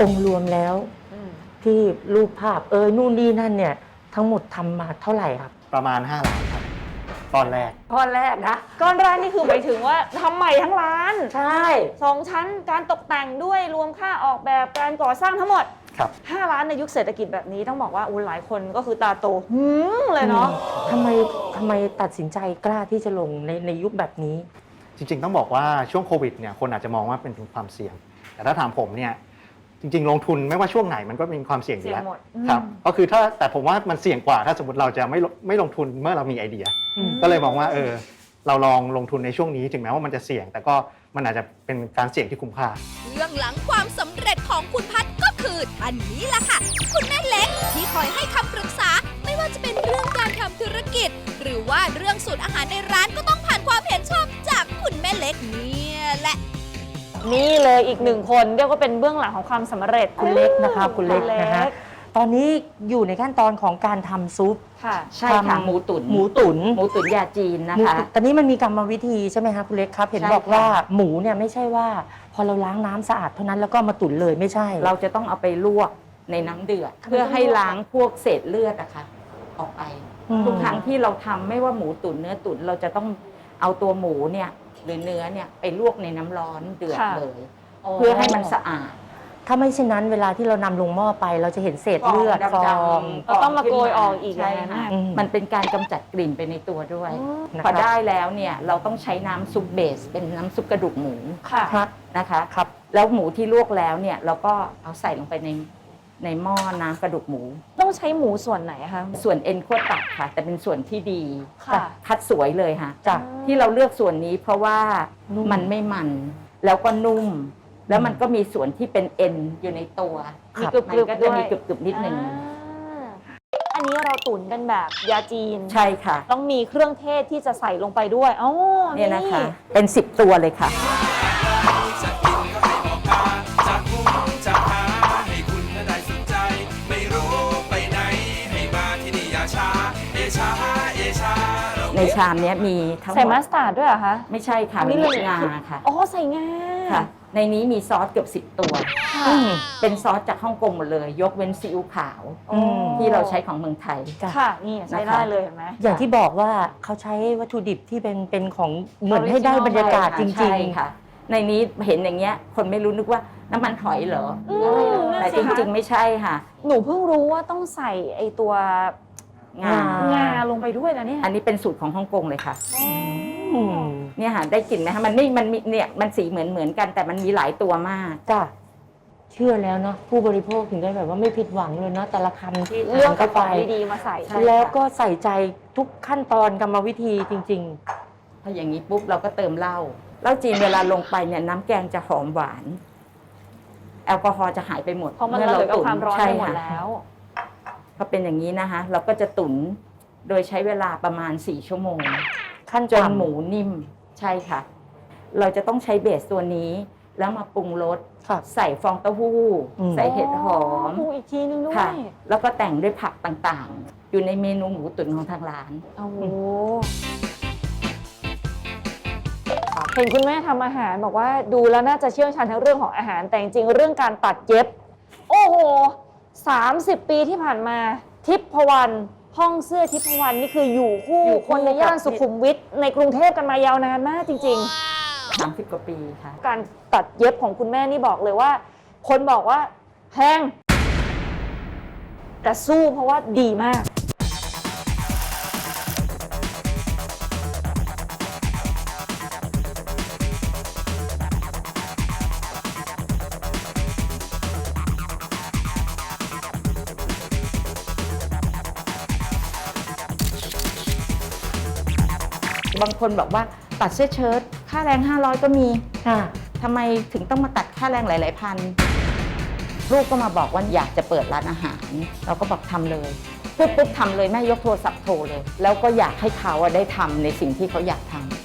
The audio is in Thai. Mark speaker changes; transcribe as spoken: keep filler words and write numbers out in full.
Speaker 1: องค์รวมแล้วที่รูปภาพเออนู่นนี่นั่นเนี่ยทั้งหมดทำมาเท่าไหร่ครับ
Speaker 2: ประมาณห้าล้านครับก้อนแรก
Speaker 3: ก้อนแรกนะก้อนแรกนี่คือหมายถึงว่าทำใหม่ทั้งร้าน
Speaker 1: ใช่
Speaker 3: สองชั้นการตกแต่งด้วยรวมค่าออกแบบการก่อสร้างทั้งหมด
Speaker 2: ครับ
Speaker 3: ห้าล้านในยุคเศรษฐกิจแบบนี้ต้องบอกว่าอุ้หลายคนก็คือตาโตหืมเลยเนาะ
Speaker 1: ทำไมทำไมตัดสินใจกล้าที่จะลงในในยุคแบบนี้
Speaker 2: จริงๆต้องบอกว่าช่วงโควิดเนี่ยคนอาจจะมองว่าเป็นความเสี่ยงแต่ถ้าถามผมเนี่ยจริงๆลงทุนไม่ว่าช่วงไหนมันก็มีความเสี่ยงอยู่แล้วครับก็คือถ้าแต่ผมว่ามันเสี่ยงกว่าถ้าสมมติเราจะไม่ไม่ลงทุนเมื่อเรามีไอเดียก็เลยมองว่าเออเราลองลงทุนในช่วงนี้ถึงแม้ว่ามันจะเสี่ยงแต่ก็มันอาจจะเป็นการเสี่ยงที่คุ้มค่า
Speaker 4: เรื่องหลังความสำเร็จของคุณพัฒน์ก็คือท่านนี้ล่ะค่ะคุณแม่เล็กที่คอยให้คำปรึกษาไม่ว่าจะเป็นเรื่องการทำธุรกิจหรือว่าเรื่องสูตรอาหารในร้านก็ต้องผ่านความเห็นชอบจากคุณแม่เล็กเนี่ยแหละ
Speaker 3: นี่เลยอีกหนึ่งคนเรียกว่าเป็นเบื้องหลังของความสำเร็จ
Speaker 1: คุณเล็กนะคะคุณเล็กนะคะตอนนี้อยู่ในขั้นตอนของการทำซุป
Speaker 5: ค่ะใช่ค่ะหมูตุ๋น
Speaker 1: หมูตุ๋น
Speaker 5: หมูตุ๋นยาจีนนะคะ
Speaker 1: ตอนนี้มันมีกรรมวิธีใช่ไหมคะคุณเล็กครับเห็นบอกว่าหมูเนี่ยไม่ใช่ว่าพอเราล้างน้ำสะอาดเท่านั้นแล้วก็มาตุ๋นเลยไม่ใช่
Speaker 5: เราจะต้องเอาไปลวกในน้ำเดือดเพื่อให้ล้างพวกเศษเลือดนะคะออกไปทุกครั้งที่เราทำไม่ว่าหมูตุ๋นเนื้อตุ๋นเราจะต้องเอาตัวหมูเนี่ยหรือเนื้อเนี่ยไปลวกในน้ำร้อนเดือดเลยเพื่อให้มันสะอาด
Speaker 1: ถ้าไม่เช่นนั้นเวลาที่เรานำลงหม้อไปเราจะเห็นเศษเลือดฟอง
Speaker 3: ก็ต้องมาโกยออกอีก
Speaker 5: ใช่ค่ะมันเป็นการกำจัดกลิ่นไปในตัวด้วยพอได้แล้วเนี่ยเราต้องใช้น้ำซุปเบสเป็นน้ำซุปกระดูกหมูนะคะครับแล้วหมูที่ลวกแล้วเนี่ยเราก็เอาใส่ลงไปในในหม้อน้ำกระดูกหมู
Speaker 3: ต้องใช้หมูส่วนไหนคะ
Speaker 5: ส่วนเอ็นขั้วตับค่ะแต่เป็นส่วนที่ดีคัดสวยเลยค่ะ
Speaker 1: จ้ะ
Speaker 5: ที่เราเลือกส่วนนี้เพราะว่ามันไม่มันแล้วก็นุ่มแล้วมันก็มีส่วนที่เป็นเอ็นอยู่ในตัว
Speaker 3: มีกรึบๆ
Speaker 5: ก็จะมีกรึบๆนิดนึง
Speaker 3: อันนี้เราตุ๋นกันแบบยาจีน
Speaker 5: ใช่ค่ะ
Speaker 3: ต้องมีเครื่องเทศที่จะใส่ลงไปด้วยอ๋อ
Speaker 5: เนี่ยนะคะเป็นสิบตัวเลยค่ะในชามนี้มีทั้งหมด
Speaker 3: ใส่มัสตาร์ดด้วยเหรอคะ
Speaker 5: ไม่ใช่ค่ะมีงาค่ะ
Speaker 3: อ๋อใส่งา
Speaker 5: ค่ะในนี้มีซอสเกือบสิบตัวเป็นซอสจากฮ่องกงหมดเลยยกเว้นซีอิ๊วขาวที่เราใช้ของเมืองไทย
Speaker 3: ค่ะนี่ใช้ได้เลยเห็นไหม
Speaker 1: อย่างที่บอกว่าเขาใช้วัตถุดิบที่เป็นเป็นของเหมือนให้ได้บรรยากาศจริง
Speaker 5: ๆค่ะในนี้เห็นอย่างเงี้ยคนไม่รู้นึกว่าน้ำมันหอยเหรอแต่จริงๆไม่ใช่ค่ะ
Speaker 3: หนูเพิ่งรู้ว่าต้องใส่ไอตัวงางาลงไปด้วยนะเนี่ย
Speaker 5: อันนี้เป็นสูตรของฮ่องกงเลยค่ะเนี่ยค่ะได้กลิ่นไหมคะมันไม่มันมีเนี่ยมันสีเหมือนเหมือนกันแต่มันมีหลายตัวมาก
Speaker 1: จ้ะเชื่อแล้วเนาะผู้บริโภคถึงได้แบบว่าไม่ผิดหวังเลยเนาะแต่ละคำที่
Speaker 3: เลือกกระป๋องดีๆมาใส่
Speaker 1: แล้วก็ใส่ใจทุกขั้นตอนกรรมวิธีจริง
Speaker 5: ๆพออย่างนี้ปุ๊บเราก็เติมเหล้าเหล้าจีนเวลาลงไปเนี่ยน้ำแกงจะหอมหวานแอลกอฮอล์จะหายไปหมด
Speaker 3: เพราะมันระเหยกับความร้อนไปหมดแล้ว
Speaker 5: พอเป็นอย่างนี้นะคะเราก็จะตุ๋นโดยใช้เวลาประมาณสี่ชั่วโมง
Speaker 1: ขั้น
Speaker 5: จนหมูนิ่มใช่ค่ะเราจะต้องใช้เบสตัวนี้แล้วมาปรุงรสใส่ฟองเต้าหู้ใส่เห็ดหอม
Speaker 3: อีกทีนึงด้วย
Speaker 5: แล้วก็แต่งด้วยผักต่างๆอยู่ในเมนูหมูตุ๋นของทางร้าน
Speaker 3: โอ้โหเห็นคุณแม่ทำอาหารบอกว่าดูแล้วน่าจะเชี่ยวชาญทั้งเรื่องของอาหารแต่จริงๆเรื่องการตัดเย็บโอ้โหสามสิบปีที่ผ่านมาทิพวรรณห้องเสื้อทิพวรรณนี่คืออยู่คู่คนในย่านสุขุมวิทในกรุงเทพกันมายาวนานมากจริง
Speaker 5: ๆสามสิบกว่าปีค่ะ
Speaker 3: การตัดเย็บของคุณแม่นี่บอกเลยว่าคนบอกว่าแพงแต่สู้เพราะว่าดีมาก
Speaker 5: บางคนบอกว่าตัดเสื้อเชิ้ตค่าแรงห้าร้อยก็มี
Speaker 1: ค่ะ
Speaker 5: ทำไมถึงต้องมาตัดค่าแรงหลายๆพันลูกก็มาบอกว่าอยากจะเปิดร้านอาหารเราก็บอกทำเลยปุ๊บปุ๊บทำเลยแม่ยกโทรศัพท์โทรเลยแล้วก็อยากให้เขาได้ทำในสิ่งที่เขาอยากทำ